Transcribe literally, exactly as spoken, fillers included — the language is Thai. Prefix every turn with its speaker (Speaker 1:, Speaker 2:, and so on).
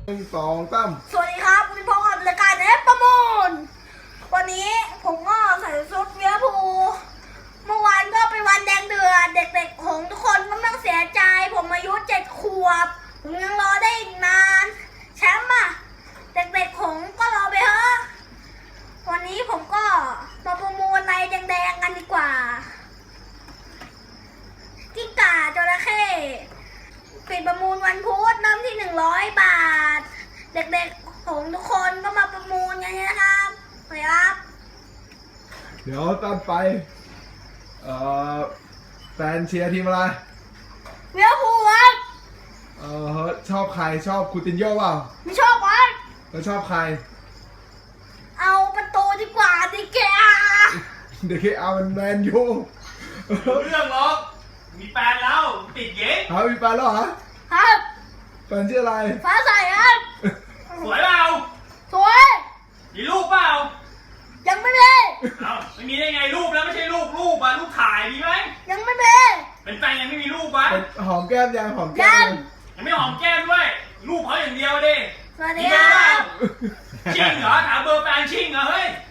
Speaker 1: หนึ่งสองสาม
Speaker 2: สวัสดีครับคุณพ่อรายการเอฟประมูลวันนี้ผมก็ใส่ชุดเวียพูเมื่อวานก็เป็นวันแดงเดือดเด็กๆของทุกคนก็ต้องเสียใจผมอายุเจ็ดขวบผมยังรอได้อีกนานแชมป์อะเด็กๆของก็รอไปเถอะวันนี้ผมก็มาประมูลในแดงๆกันดีกว่ากิ้งก่าจระเข้ปิดประมูลวันพุธเริ่มที่หนึ่งร้อยบาทเด็กๆของทุกคนก็มาประมูลกันนะครับไปครับ
Speaker 1: เดี๋ยวตอนไปเอ่อแฟนเชียร์ทีมอะไร
Speaker 2: เวียพูครับ
Speaker 1: เอ่อชอบใครชอบคูตินโญ่เปล่า
Speaker 2: ไม่ชอบครับ
Speaker 1: แล้วชอบใคร
Speaker 2: เอาประตูดีกว่าดิแก
Speaker 1: เด็กเอามันแมนยู
Speaker 3: เรื่องหรอกมีแฟนแล้วติดเย็น
Speaker 1: หามีแฟนแล้วเหรอ
Speaker 2: ครับ
Speaker 1: แฟนชื่ออะไร
Speaker 2: ฟ้าใสครับ
Speaker 3: สวยเปล่า
Speaker 2: สวย
Speaker 3: มีรูปเปล่า
Speaker 2: ยังไม่มี
Speaker 3: เอ้าไม่มีได้ไงรูปแล้วไม่ใช่รูปรูปอะรูปถ่ายมีไหม
Speaker 2: ยังไม่มี
Speaker 3: เป็นแฟนยังไม่มีรูปวะ
Speaker 1: หอมแก้มยังหอมแก้ม
Speaker 3: ยังไม่หอมแก้มด้วยรูปเขาอย่างเดียวดิ
Speaker 2: สวัสดีครับ
Speaker 3: ชิงเหรอถามเบอร์แฟนชิงเหรอเฮ้ย